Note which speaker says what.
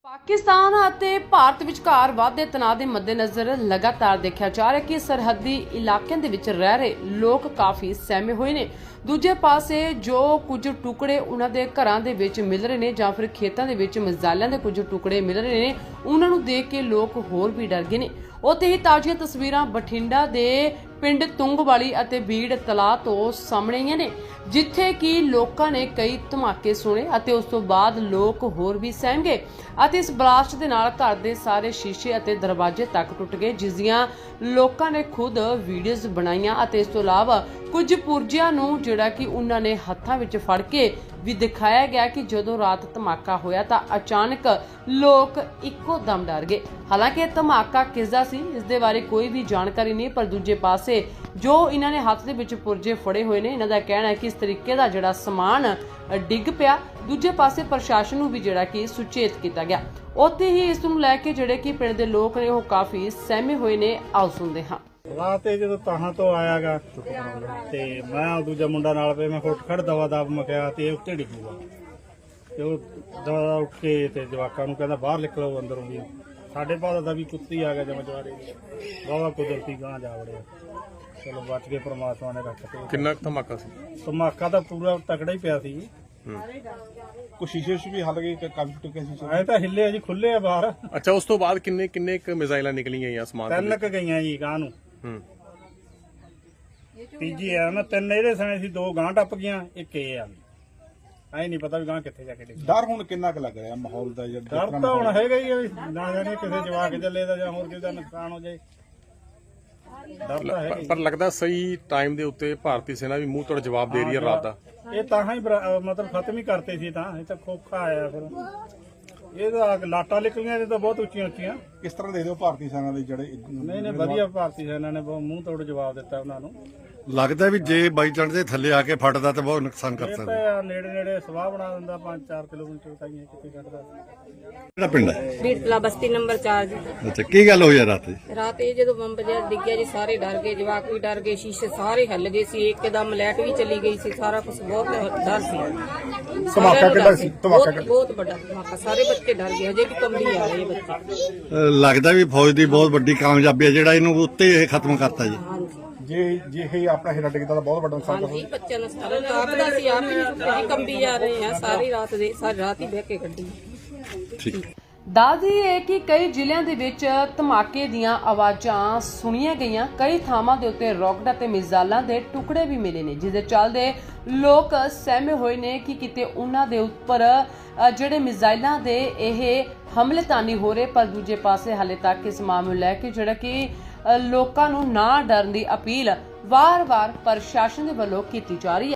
Speaker 1: ਪਾਕਿਸਤਾਨ ਅਤੇ ਭਾਰਤ ਵਿਚਕਾਰ ਵਧਦੇ ਤਣਾਅ ਦੇ ਮੱਦੇਨਜ਼ਰ ਲਗਾਤਾਰ ਦੇਖਿਆ ਜਾ ਰਿਹਾ ਕਿ ਸਰਹੱਦੀ ਇਲਾਕਿਆਂ ਦੇ ਵਿੱਚ ਰਹਿ ਰਹੇ ਲੋਕ ਕਾਫੀ ਸਹਿਮੇ ਹੋਏ ਨੇ। ਦੂਜੇ ਪਾਸੇ ਜੋ ਕੁਝ ਟੁਕੜੇ ਉਹਨਾਂ ਦੇ ਘਰਾਂ ਦੇ ਵਿੱਚ ਮਿਲ ਰਹੇ ਨੇ ਜਾਂ ਫਿਰ ਖੇਤਾਂ ਦੇ ਵਿੱਚ ਮਿਜ਼ਾਈਲਾਂ ਦੇ ਕੁਝ ਟੁਕੜੇ ਮਿਲ ਰਹੇ ਨੇ, ਉਹਨਾਂ ਨੂੰ ਦੇਖ ਕੇ ਲੋਕ ਹੋਰ ਵੀ ਡਰ ਗਏ ਨੇ। ਉੱਥੇ ਹੀ ਤਾਜ਼ੀਆਂ ਤਸਵੀਰਾਂ ਬਠਿੰਡਾ ਦੇ ਪਿੰਡ ਤੁੰਗਵਾਲੀ ਅਤੇ ਬੀੜ ਤਲਾਅ ਤੋਂ ਸਾਹਮਣੇ ਆਈਆਂ ਨੇ, ਜਿੱਥੇ ਕਿ ਲੋਕਾਂ ਨੇ ਕਈ ਧਮਾਕੇ ਸੁਣੇ ਅਤੇ ਉਸ ਤੋਂ ਬਾਅਦ ਲੋਕ ਹੋਰ ਵੀ ਸਹਿਮ ਗਏ ਅਤੇ ਇਸ ਬਲਾਸਟ ਦੇ ਨਾਲ ਘਰ ਦੇ ਸਾਰੇ ਸ਼ੀਸ਼ੇ ਅਤੇ ਦਰਵਾਜ਼ੇ ਤੱਕ ਟੁੱਟ ਗਏ, ਜਿਸ ਦੀਆਂ ਲੋਕਾਂ ਨੇ ਖੁਦ ਵੀਡੀਓਜ਼ ਬਣਾਈਆਂ ਅਤੇ ਇਸ ਤੋਂ ਇਲਾਵਾ ਕੁਝ ਪੁਰਜਿਆਂ ਨੂੰ ਜਿਹੜਾ ਕਿ ਉਹਨਾਂ ਨੇ ਹੱਥਾਂ ਵਿੱਚ ਫੜ ਕੇ ਵੀ ਦਿਖਾਇਆ ਗਿਆ ਕਿ ਜਦੋਂ ਰਾਤ ਧਮਾਕਾ ਹੋਇਆ ਤਾਂ ਅਚਾਨਕ ਲੋਕ ਇੱਕੋ ਦਮ ਡਰ ਗਏ। ਹਾਲਾਂਕਿ ਇਹ ਧਮਾਕਾ ਕਿਸ ਦਾ ਸੀ, ਇਸ ਦੇ ਬਾਰੇ ਕੋਈ ਵੀ ਜਾਣਕਾਰੀ ਨਹੀਂ, ਪਰ ਦੂਜੇ ਪਾਸੇ ਜੋ ਇਹਨਾਂ ਨੇ ਹੱਥ ਦੇ ਵਿੱਚ ਪੁਰਜੇ ਫੜੇ ਹੋਏ ਨੇ, ਇਹਨਾਂ ਦਾ ਕਹਿਣਾ ਹੈ ਕਿ ਇਸ ਤਰੀਕੇ ਦਾ ਜਿਹੜਾ ਸਮਾਨ ਡਿੱਗ ਪਿਆ। ਦੂਜੇ ਪਾਸੇ ਪ੍ਰਸ਼ਾਸਨ ਨੂੰ ਵੀ ਜਿਹੜਾ ਕਿ ਸੁਚੇਤ ਕੀਤਾ ਗਿਆ। ਉੱਥੇ ਹੀ ਇਸ ਨੂੰ ਲੈ ਕੇ ਜਿਹੜੇ ਕਿ ਪਿੰਡ ਦੇ ਲੋਕ ਨੇ ਉਹ ਕਾਫੀ ਸਹਿਮੇ ਹੋਏ ਨੇ। ਆਓ ਸੁਣਦੇ ਹਾਂ।
Speaker 2: ਰਾਤ ਇਹ ਜਦੋਂ ਤਾਹਾਂ ਤੋਂ ਆਇਆਗਾ ਤੇ ਮੈਂ ਦੂਜਾ ਮੁੰਡਾ ਨਾਲ ਪਏ, ਮੈਂ ਉੱਠ ਖੜ ਦਵਾ ਦਬ ਮਕਿਆ ਤੇ ਇਹ ਉੱਤੇ ਡਿੱਗੂਗਾ ਤੇ ਉਹ ਦਵਾ ਉੱਠ ਕੇ ਤੇ ਜਵਾਕਾਂ ਨੂੰ ਕਹਿੰਦਾ ਬਾਹਰ ਨਿਕਲੋ ਅੰਦਰੋਂ ਵੀ। ਸਾਡੇ ਬਾਅਦ ਦਾ ਵੀ ਕੁੱਤੀ ਆ ਗਿਆ ਜਮ ਜਵਾਰੇ ਬਾਵਾ ਕੁਦਰਤੀ ਗਾਂ ਜਾ ਵੜਿਆ। ਚਲੋ ਬਚ ਗਏ, ਪ੍ਰਮਾਤਮਾ ਨੇ ਰੱਖ ਕੇ।
Speaker 3: ਕਿੰਨਾ ਧਮਾਕਾ ਸੀ?
Speaker 2: ਧਮਾਕਾ ਤਾਂ ਪੂਰਾ ਤਕੜਾ ਹੀ ਪਿਆ ਸੀ।
Speaker 3: ਕੁਛ ਸ਼ੀਸ਼ੇ ਵੀ ਹੱਲ ਗਏ, ਕਾਫੀ ਟੁੱਟੇ ਸੀ।
Speaker 2: ਐ ਤਾਂ ਹਿੱਲੇ ਆ ਜੀ, ਖੁੱਲੇ ਆ ਬਾਹਰ।
Speaker 3: ਅੱਛਾ, ਉਸ ਤੋਂ ਬਾਅਦ ਕਿੰਨੇ ਕੁ ਮਿਜ਼ਾਈਲਾਂ ਨਿਕਲੀਆਂ ਜਾਂ ਸਮਾਨ?
Speaker 2: ਤਿੰਨ ਕ ਗਈਆਂ ਜੀ ਗਾਂ ਨੂੰ। ਤੀਜੀ ਆ ਨਾ, ਤਿੰਨ ਇਹਦੇ ਸਣੇ ਸੀ, ਦੋ ਗਾਂ ਟੱਪ ਗਈਆਂ, ਇੱਕ ਇਹ ਆ। ਐ ਨਹੀਂ ਪਤਾ ਵੀ ਗਾਂ ਕਿੱਥੇ ਜਾ ਕੇ ਡਿੱਗੀ।
Speaker 4: ਡਰ ਹੁਣ ਕਿੰਨਾ ਕੁ ਲੱਗ ਰਿਹਾ ਮਾਹੌਲ ਦਾ?
Speaker 2: ਡਰ ਤਾਂ ਹੁਣ ਹੈਗਾ ਹੀ ਆ ਵੀ ਨਾ ਜਾਣੇ ਕਿਸੇ ਜਵਾਕ ਚੱਲੇ ਦਾ ਜਾਂ ਹੋਰ ਕਿਸੇ ਦਾ ਨੁਕਸਾਨ ਹੋ ਜਾਏ। ਡਰ ਤਾਂ ਹੈਗਾ ਹੀ।
Speaker 3: ਪਰ ਲੱਗਦਾ ਸਹੀ ਟਾਈਮ ਦੇ ਉੱਤੇ ਭਾਰਤੀ ਸੈਨਾ ਵੀ ਮੂੰਹ ਤੋੜ ਜਵਾਬ ਦੇ ਰਹੀ ਹੈ ਰਾਤ ਦਾ।
Speaker 2: ਇਹ ਤਾਂ ਹੀ ਮਤਲਬ ਖਤਮ ਹੀ ਕਰਤੇ ਸੀ, ਤਾਂ ਇਹ ਤਾਂ ਖੋਖਾ ਆਇਆ ਫਿਰ। ਇਹਦਾ ਲਾਟਾਂ ਨਿਕਲੀਆਂ ਇਹ ਤਾਂ ਬਹੁਤ ਉੱਚੀਆਂ ਉੱਚੀਆਂ।
Speaker 4: ਕਿਸ ਤਰ੍ਹਾਂ ਦੇ ਦਿਓ ਭਾਰਤੀ ਸੈਨਾ ਦੇ ਜਿਹੜੇ
Speaker 2: ਨਹੀਂ ਵਧੀਆ, ਭਾਰਤੀ ਸੈਨਾ ਨੇ ਬਹੁਤ ਮੂੰਹ ਤੋੜ ਜਵਾਬ ਦਿੱਤਾ ਉਹਨਾਂ ਨੂੰ।
Speaker 5: ਲੱਗਦਾ ਵੀ ਜੇ ਬਾਈ ਚਾਂਸ ਦੇ ਥੱਲੇ ਆ ਕੇ ਫਟਦਾ ਤਾਂ ਬਹੁਤ ਨੁਕਸਾਨ ਕਰ
Speaker 2: ਇਹ
Speaker 5: ਸਕਦਾ।
Speaker 2: ਤਾਂ ਨੇੜੇ ਨੇੜੇ ਸਵਾਹ ਬਣਾ ਦਿੰਦਾ, 5-4 ਕਿਲੋਮੀਟਰ ਤਾਈਂ ਕਿਤੇ ਕੱਢਦਾ।
Speaker 5: ਕਿਹੜਾ ਪਿੰਡ ਹੈ?
Speaker 6: ਬੀੜਤਲਾ ਬਸਤੀ ਨੰਬਰ 4 ਜੀ।
Speaker 5: ਅੱਛਾ, ਕੀ ਗੱਲ ਹੋਈ ਆ ਰਾਤ?
Speaker 6: ਰਾਤ ਇਹ ਜਦੋਂ ਬੰਬ ਜਿਹਾ ਡਿੱਗਿਆ ਜੀ, ਸਾਰੇ ਡਰ ਗਏ, ਜਵਾਕ ਵੀ ਡਰ ਗਏ, ਸ਼ੀਸ਼ੇ ਸਾਰੇ ਹਿੱਲ ਗਏ ਸੀ, ਇੱਕਦਮ ਲਾਈਟ ਵੀ ਚਲੀ ਗਈ ਸੀ, ਸਾਰਾ ਕੁਝ ਬਹੁਤ ਡਰ ਸੀ।
Speaker 4: ਧਮਾਕਾ ਕਿੱਡਾ ਸੀ? ਧਮਾਕਾ
Speaker 6: ਬਹੁਤ ਵੱਡਾ ਧਮਾਕਾ, ਸਾਰੇ ਬੱਚੇ ਡਰ ਗਏ, ਹਜੇ ਵੀ ਕੰਬੀ ਆ ਰਹੇ ਬੱਚੇ।
Speaker 5: ਲੱਗਦਾ ਵੀ ਫੌਜ ਦੀ ਬਹੁਤ ਵੱਡੀ ਕਾਮਯਾਬੀ ਹੈ ਜਿਹੜਾ ਇਹਨੂੰ ਉੱਤੇ ਇਹ ਖਤਮ ਕਰਤਾ ਜੀ।
Speaker 6: ਹਾਂਜੀ
Speaker 4: ਜੇ ਇਹ ਆਪਣਾ ਹਿੱਲਾ ਡਿੱਗਦਾ ਤਾਂ ਬਹੁਤ ਵੱਡਾ ਨੁਕਸਾਨ
Speaker 6: ਹਾਂਜੀ, ਬੱਚਿਆਂ ਨੂੰ ਸਾਰਾ ਰਾਤ ਦਾ ਸੀ, ਆਪ ਹੀ ਕੰਬੀ ਜਾ ਰਹੇ ਆ, ਸਾਰੀ ਰਾਤ ਹੀ ਬਹਿ ਕੇ ਕੱਢੀ।
Speaker 5: ਠੀਕ।
Speaker 1: ਦੱਸਦੀ ਹੈ ਕਿ ਕਈ ਜ਼ਿਲ੍ਹਿਆਂ ਦੇ ਵਿੱਚ ਧਮਾਕੇ ਦੀਆਂ ਆਵਾਜ਼ਾਂ ਸੁਣੀਆਂ ਗਈਆਂ। ਕਈ ਥਾਵਾਂ ਦੇ ਉੱਤੇ ਰੌਕਟ ਅਤੇ ਮਿਜ਼ਾਈਲਾਂ ਦੇ ਟੁਕੜੇ ਵੀ ਮਿਲੇ ਨੇ, ਜਿਸ ਦੇ ਚੱਲਦੇ ਲੋਕ ਸਹਿਮੇ ਹੋਏ ਨੇ ਕਿ ਕਿਤੇ ਉਹਨਾਂ ਦੇ ਉੱਪਰ ਜਿਹੜੇ ਮਿਜ਼ਾਈਲਾਂ ਦੇ ਇਹ ਹਮਲੇ ਤਾਂ ਨਹੀਂ ਹੋ ਰਹੇ। ਪਰ ਦੂਜੇ ਪਾਸੇ ਹਾਲੇ ਤੱਕ ਇਸ ਮਾਮਲੇ ਨੂੰ ਲੈ ਕੇ ਜਿਹੜਾ ਕਿ ਲੋਕਾਂ ਨੂੰ ਨਾ ਡਰਨ ਦੀ ਅਪੀਲ ਵਾਰ-ਵਾਰ ਪ੍ਰਸ਼ਾਸਨ ਦੇ ਵੱਲੋਂ ਕੀਤੀ ਜਾ ਰਹੀ ਹੈ।